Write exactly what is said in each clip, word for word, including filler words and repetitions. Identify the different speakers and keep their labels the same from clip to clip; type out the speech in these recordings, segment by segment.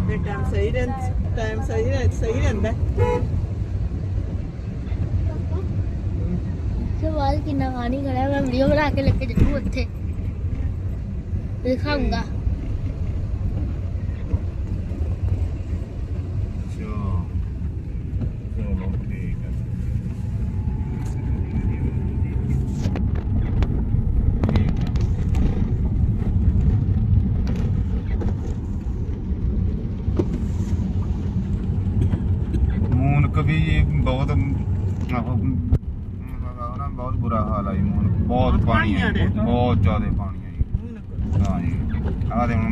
Speaker 1: ਫਿਰ ਟਾਈਮ ਸਹੀ ਰਹਿੰਦਾ ਟਾਈਮ ਸਹੀ ਰਹਿ ਸਹੀ ਰਹਿੰਦਾ
Speaker 2: ਸਵਾਲ ਕਿੰਨਾ ਪਾਣੀ ਖੜਾ ਮੈਂ ਵੀਡੀਓ ਬਣਾ ਕੇ ਲੈ ਕੇ ਜਾਊਂ ਉੱਥੇ ਦਿਖਾਉਂਗਾ
Speaker 3: भी बहुत बहुत बुरा हाल है जी बहुत पानी है बहुत ज्यादा पानी है जी हाँ जी आ दे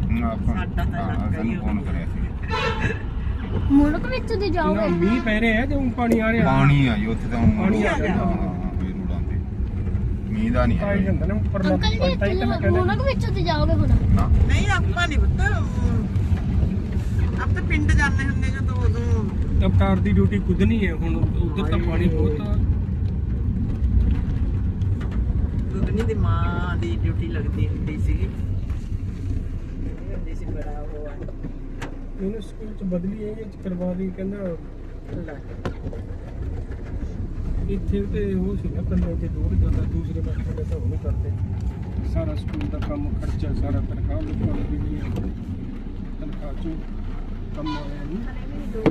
Speaker 3: फोन करे
Speaker 2: ਮੁਲਕ ਵਿੱਚ ਦੀ ਜਾਓਗੇ
Speaker 4: ਮੀਂਹ ਪੈ ਰਿਹਾ ਤੇ ਉਹ ਪਾਣੀ ਆ ਰਿਹਾ
Speaker 3: ਪਾਣੀ ਆ ਜੀ ਉੱਥੇ ਤਾਂ
Speaker 4: ਪਾਣੀ ਆ ਰਿਹਾ
Speaker 3: ਇਹ ਰੋਡਾਂ ਤੇ ਮੀਂਹ ਦਾ ਨਹੀਂ
Speaker 4: ਆਈ ਜਾਂਦਾ ਨਾ ਉੱਪਰ
Speaker 2: ਅੰਕਲ ਜੀ ਇੱਥੇ ਮੁਲਕ ਵਿੱਚ ਦੀ ਜਾਓਗੇ ਹੁਣ
Speaker 3: ਨਾ
Speaker 1: ਨਹੀਂ ਆਪਾਂ ਨਹੀਂ ਪੁੱਤ ਆਪ ਤਾਂ ਪਿੰਡ ਜਾਂਦੇ ਹੁੰਦੇ ਜਦੋਂ ਉਦੋਂ
Speaker 4: ਅਵਤਾਰ ਦੀ ਡਿਊਟੀ ਖੁਦ ਨਹੀਂ ਹੈ ਹੁਣ ਉਧਰ ਤਾਂ ਪਾਣੀ ਬਹੁਤ ਆ
Speaker 1: ਦੁਗਨੀ ਦੀ ਮਾਂ ਦੀ ਡਿਊਟੀ ਲੱਗਦੀ ਹੁੰਦੀ ਸੀਗੀ ਹੁੰਦੀ ਸੀ ਬੜਾ ਉਹ ਆ
Speaker 4: ਇਹਨੂੰ ਸਕੂਲ ਚ ਬਦਲੀ ਇਹ ਚ ਕਰਵਾ ਦੀ ਕਹਿੰਦਾ
Speaker 1: ਲੈ
Speaker 4: ਇੱਥੇ ਤੇ ਉਹ ਸੀਗਾ ਕੱਲੇ ਤੇ ਦੂਰ ਜਾਂਦਾ ਦੂਸਰੇ ਪਾਸੇ ਤੇ ਤਾਂ ਉਹ ਨਹੀਂ ਕਰਦੇ ਸਾਰਾ ਸਕੂਲ ਦਾ ਕੰਮ ਖਰਚਾ ਸਾਰਾ ਤਨਖਾਹ ਲੋਕਾਂ ਦੀ ਵੀ ਹੈ ਤਨਖਾਹ ਚੋਂ ਕੰਮ ਆਇਆ ਨਹੀਂ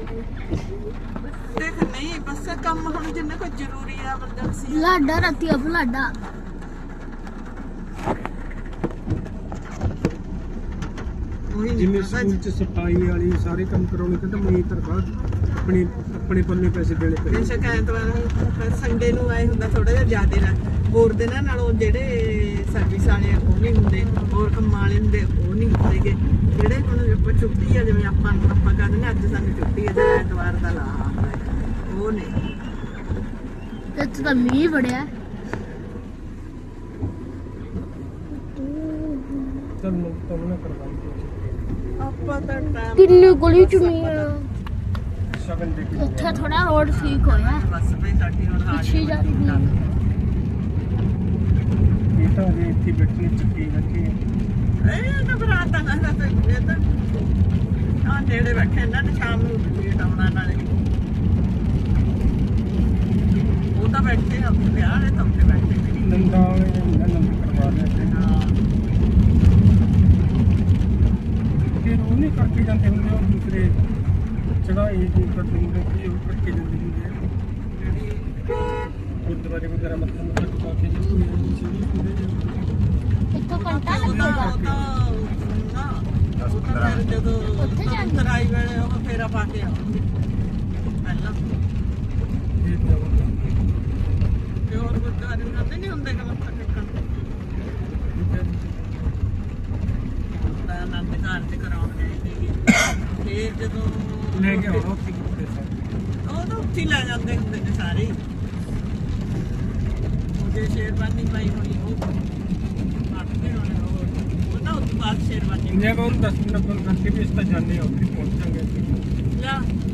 Speaker 1: ਦੇਖ ਨਹੀਂ ਬਸ ਕੰਮ ਹੁਣ ਜਿੰਨਾ ਕੋਈ ਜ਼ਰੂਰੀ ਆ ਐਮਰਜੈਂਸੀ
Speaker 2: ਲਾਡਾ ਰਾਤੀ ਅਬ ਲਾਡਾ
Speaker 4: ਜਿਵੇਂ ਸਕੂਲ ਚ ਸਫਾਈ ਵਾਲੀ ਸਾਰੇ ਕੰਮ ਕਰਾਉਣੇ ਕਹਿੰਦਾ ਮੇਰੀ ਤਨਖਾਹ ਆਪਣੀ ਆਪਣੇ ਪੱਲੇ ਪੈਸੇ ਦੇਣੇ ਪੈਂਦੇ
Speaker 1: ਬੇਸ਼ੱਕ ਐਤਵਾਰ ਸੰਡੇ ਨੂੰ ਆਏ ਹੁੰਦਾ ਥੋੜਾ ਜਿਹਾ ਜ਼ਿਆਦਾ ਨਾ ਹੋਰ ਦਿਨਾਂ ਨਾਲੋਂ ਜਿਹੜੇ ਸਰਵਿਸ ਵਾਲੇ ਉਹ ਨਹੀਂ ਹੁੰਦੇ ਹੋਰ ਕੰਮਾਂ ਵਾਲੇ ਹੁੰਦੇ ਉਹ ਨਹੀਂ ਹੁੰਦੇਗੇ ਜਿਹੜੇ ਹੁਣ ਆਪਾਂ ਛੁੱਟੀ ਆ ਜਿਵੇਂ ਆਪਾਂ ਆਪਾਂ ਕਹਿੰਦੇ ਨੇ ਅੱਜ ਸਾਨੂੰ ਛੁੱਟੀ ਹੈ ਜਾਂ ਐਤਵਾਰ ਦਾ ਲਾ ਉਹ ਨਹੀਂ
Speaker 2: ਇੱਥੇ ਤਾਂ ਮੀਂਹ ਬੜਿਆ
Speaker 4: ਚਲ ਮੈਂ ਤੁਹਾਨੂੰ ਨਾ ਕਰਵਾਈ
Speaker 1: ਆਪਾਂ ਤਾਂ ਟਾਈਮ
Speaker 2: ਕਿੰਨੀ ਗਲੀ ਚ ਮੀਂਹ ਆ
Speaker 4: ਸ਼ਗਨ ਦੇ ਕੇ
Speaker 2: ਉੱਥੇ ਥੋੜਾ ਰੋਡ ਠੀਕ ਹੋਇਆ
Speaker 1: ਬਸ ਬਈ ਸਾਡੀ ਹੁਣ
Speaker 2: ਪਿੱਛੇ ਜਾ ਰਹੀ ਹੈ
Speaker 4: ਇਹ ਤਾਂ ਜੇ ਇੱਥੇ ਬੈਠਣੇ ਚੱਕੀ ਰੱਖੀ
Speaker 1: ਇਹ ਤਾਂ ਬਰਾਤ ਦਾ ਨਾ ਤਾਂ ਇਹ ਤਾਂ ਆ ਨੇੜੇ ਬੈਠੇ ਇਹਨਾਂ ਨੇ ਸ਼ਾਮ ਨੂੰ ਲੇਟ ਆਉਣਾ ਨਾਲੇ ਉਹ ਤਾਂ ਬੈਠੇ ਆ ਵਿਆਹ ਵਾਲੇ ਤਾਂ ਉੱਥੇ ਬੈਠੇ ਨੇ
Speaker 4: ਨੰਦਾ ਵਾਲੇ ਨੇ ਨੰਦ ਕਰਵਾ ਲਿਆ ਤੇ
Speaker 1: ਹਾਂ
Speaker 4: ਫਿਰ ਉਹ ਨਹੀਂ ਕਰਕੇ ਜਾਂਦੇ ਹੁੰਦੇ ਉਹ ਦੂਸਰੇ ਚੜਾਈ ਜੀ ਕਰਦੇ ਹੁੰਦੇ ਕਿ ਉਹ ਕਰਕੇ ਜਾਂਦੇ ਹੁੰਦੇ ਗੁਰਦੁਆਰੇ ਵਗੈਰਾ ਮੱਥਾ ਮੁੱਥਾ ਟਿਕਾ ਕੇ ਜੇ ਕੋਈ ਚੀਜ਼ ਹੁੰਦੇ
Speaker 2: ਇੱਕ ਘੰਟਾ
Speaker 1: ਉਹਦਾ
Speaker 2: ਲੱਗੇਗਾ
Speaker 1: ਉਹਦਾ ਨਾ ਉਹ ਤਾਂ ਫਿਰ ਜਦੋਂ
Speaker 2: ਉੱਥੇ ਜਾਂਦੇ।
Speaker 1: ਤਰਾਈ ਵੇਲੇ ਉਹ ਫੇਰਾ ਪਾ ਕੇ ਆਉਂਦੇ ਪਹਿਲਾਂ ਤੇ ਹੋਰ ਗੁਰਦੁਆਰੇ ਜਾਂਦੇ ਨਹੀਂ ਹੁੰਦੇ ਕਿ ਮੱਥਾ ਟੇਕਣ ਤਾਂ ਆਨੰਦ ਘਰ ਤੇ ਕਰਾਉਣ ਗਏ ਸੀਗੇ ਫਿਰ ਜਦੋਂ
Speaker 4: ਲੈ ਕੇ ਆਉਣਾ ਉੱਥੇ ਕਿਤੇ ਸਰ
Speaker 1: ਉਹ ਤਾਂ ਉੱਥੇ ਹੀ ਲੈ ਜਾਂਦੇ ਹੁੰਦੇ ਨੇ ਸਾਰੇ ਹੀ। ਉਹ ਜੇ ਸ਼ੇਰਵਾਨੀ ਪਾਈ ਹੋਣੀ ਉਹ ਆਟਦੇ ਹੋਣੇ ਉਹ ਉਹ ਤਾਂ ਉਸ ਤੋਂ ਬਾਅਦ ਸ਼ੇਰਵਾਨੀ
Speaker 4: ਇੰਨੇ ਕੋਲ ਦਸ ਮਿੰਟ ਕੋਲ ਕਰਕੇ ਵੀ ਇਸ ਤਾਂ ਜਾਣੇ ਆ ਉੱਥੇ ਪਹੁੰਚਾਂਗੇ
Speaker 1: ਲੈ